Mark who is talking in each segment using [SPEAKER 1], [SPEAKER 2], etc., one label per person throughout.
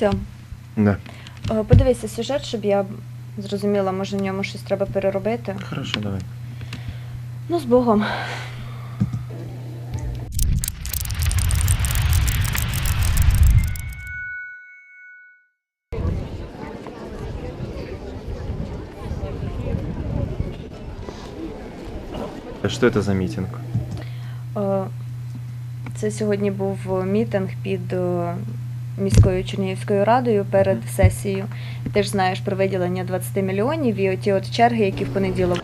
[SPEAKER 1] Все.
[SPEAKER 2] Да.
[SPEAKER 1] Подивися сюжет, щоб я зрозуміла, може в ньому щось треба переробити.
[SPEAKER 2] Хорошо, давай.
[SPEAKER 1] Ну, з Богом.
[SPEAKER 2] Что это за митинг?
[SPEAKER 1] Це сьогодні був мітинг під міською Чернігівською радою перед сесією. Ти ж знаєш про виділення 20 мільйонів і оті от черги, які в понеділок.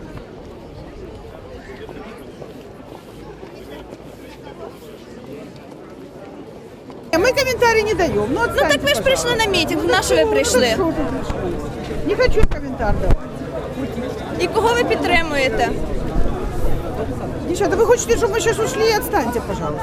[SPEAKER 3] Мы комментарий не даем. Ну
[SPEAKER 4] Так ви ж прийшли на мітинг, на що ви прийшли?
[SPEAKER 3] Не хочу комментарий давать.
[SPEAKER 4] І кого ви підтримуєте?
[SPEAKER 3] Девчата, вы хотите, чтобы мы сейчас ушли? Отстаньте, пожалуйста.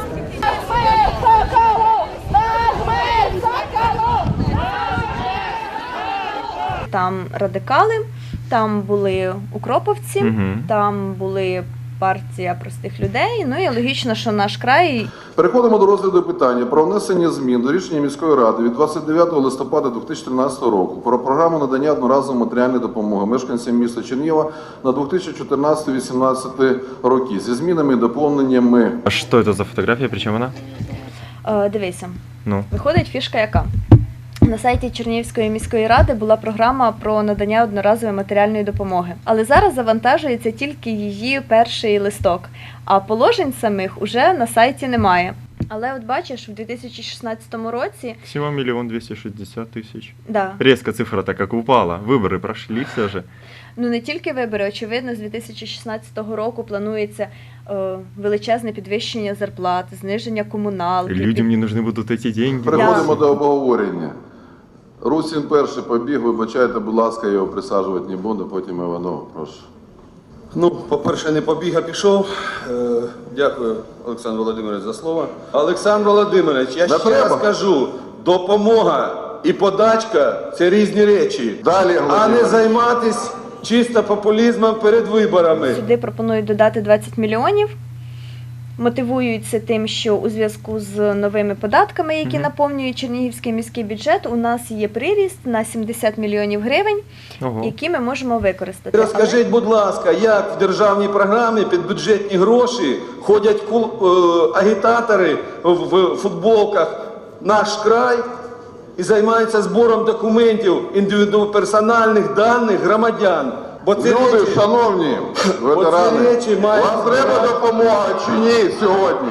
[SPEAKER 1] Там радикали, там були укроповці,
[SPEAKER 2] Мгм.
[SPEAKER 1] там були партія простих людей. Ну і логічно, що наш край.
[SPEAKER 5] Переходимо до розгляду питання про внесення змін до рішення міської ради від 29 листопада 2013 року про програму надання одноразової матеріальної допомоги мешканцям міста Чернігова на 2014-2018 роки зі змінами і доповненнями.
[SPEAKER 2] А что это за фотография, причем она?
[SPEAKER 1] Дивися,
[SPEAKER 2] Ну.
[SPEAKER 1] виходить фішка яка? На сайті Чернігівської міської ради була програма про надання одноразової матеріальної допомоги. Але зараз завантажується тільки її перший листок, а положень самих уже на сайті немає. Але от бачиш, в 2016 році,
[SPEAKER 2] Всего 1 260 000.
[SPEAKER 1] да,
[SPEAKER 2] Резко цифра так как упала. Выборы прошли все же.
[SPEAKER 1] ну не тільки вибори, очевидно, з 2016 року планується величезне підвищення зарплат, зниження комуналки.
[SPEAKER 2] Людям не нужны будут эти деньги.
[SPEAKER 5] Переходимо до обговорення. Русін перший побіг, вибачайте, будь ласка, я його присаджувати не буду, потім Іванов, прошу.
[SPEAKER 6] Ну, по-перше, не побіг, а пішов. Дякую, Олександр Володимирович, за слово. Олександр Володимирович, я ще раз кажу, допомога і подачка – це різні речі.
[SPEAKER 5] Далі,
[SPEAKER 6] а
[SPEAKER 5] Володимир.
[SPEAKER 6] не займатися чисто популізмом перед виборами.
[SPEAKER 1] Сюди пропонують додати 20 мільйонів. Мотивуються тим, що у зв'язку з новими податками, які наповнюють Чернігівський міський бюджет, у нас є приріст на 70 мільйонів гривень,
[SPEAKER 2] Ого.
[SPEAKER 1] які ми можемо використати.
[SPEAKER 6] Розкажіть, будь ласка, як в державній програмі під бюджетні гроші ходять агітатори в футболках «Наш край» і займаються збором документів, персональних даних громадян. Бо це
[SPEAKER 5] Люди,
[SPEAKER 6] речі...
[SPEAKER 5] шановні ветерани,
[SPEAKER 6] речі мають-
[SPEAKER 5] вам треба допомога чи ні сьогодні?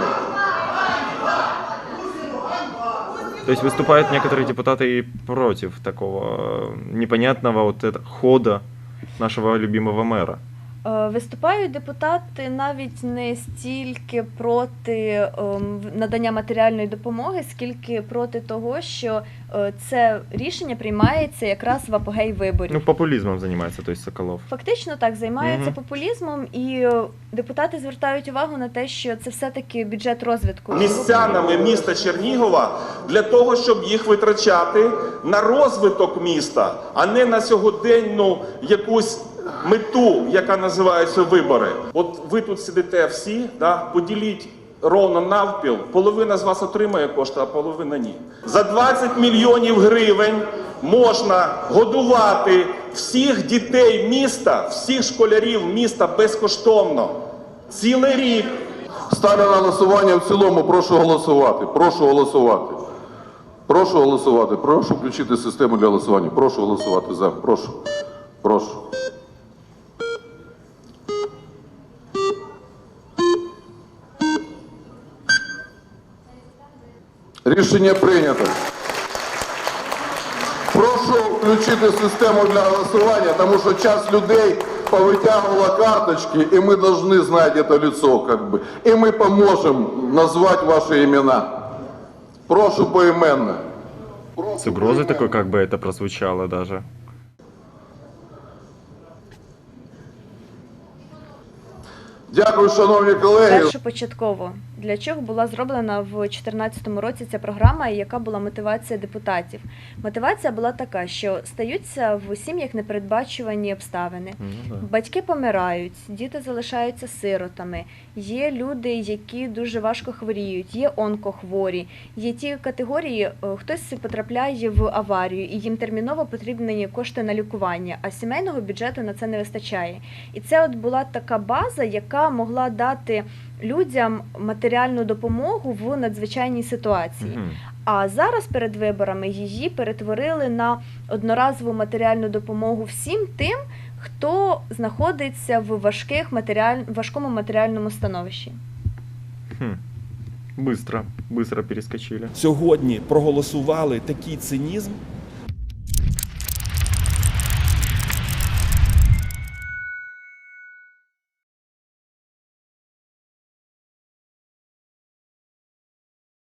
[SPEAKER 2] То есть выступают некоторые депутаты и против такого непонятного вот этого хода нашего любимого мэра.
[SPEAKER 1] Виступають депутати навіть не стільки проти надання матеріальної допомоги, скільки проти того, що це рішення приймається якраз в апогей виборів.
[SPEAKER 2] Ну, популизмом занимается, то есть Соколов.
[SPEAKER 1] Фактично так, займається
[SPEAKER 2] Мгм.
[SPEAKER 1] популізмом, і депутати звертають увагу на те, що це все-таки бюджет розвитку.
[SPEAKER 7] Містянами міста Чернігова для того, щоб їх витрачати на розвиток міста, а не на сьогоденну якусь мету, яка називається вибори. От ви тут сидите всі, да, поділіть ровно навпіл, половина з вас отримає кошти, а половина ні. За 20 мільйонів гривень можна годувати всіх дітей міста, всіх школярів міста безкоштовно. Цілий рік.
[SPEAKER 5] Ставлю на голосування в цілому, прошу голосувати. Прошу голосувати. Прошу голосувати. Прошу включити систему для голосування. Прошу голосувати за. Прошу. Прошу. Рішення прийнято. Прошу включити систему для голосування, тому що час людей повитягувала карточки, і ми повинні знати це лицо, как бы. І ми поможемо назвати ваші імена. Прошу поіменно.
[SPEAKER 2] С угрозой такой, как бы это прозвучало даже.
[SPEAKER 5] Дякую, шановні колеги.
[SPEAKER 1] Першопочатково для чого була зроблена в 2014 році ця програма і яка була мотивація депутатів. Мотивація була така, що стаються в сім'ях непередбачувані обставини.
[SPEAKER 2] Ну, да.
[SPEAKER 1] Батьки помирають, діти залишаються сиротами, є люди, які дуже важко хворіють, є онкохворі, є ті категорії, хтось потрапляє в аварію і їм терміново потрібні кошти на лікування, а сімейного бюджету на це не вистачає. І це от була така база, яка могла дати людям матеріальну допомогу в надзвичайній ситуації.
[SPEAKER 2] Мгм.
[SPEAKER 1] А зараз перед виборами її перетворили на одноразову матеріальну допомогу всім тим, хто знаходиться в важкому матеріальному становищі.
[SPEAKER 2] Быстро перескочили.
[SPEAKER 8] Сьогодні проголосували такий цинізм,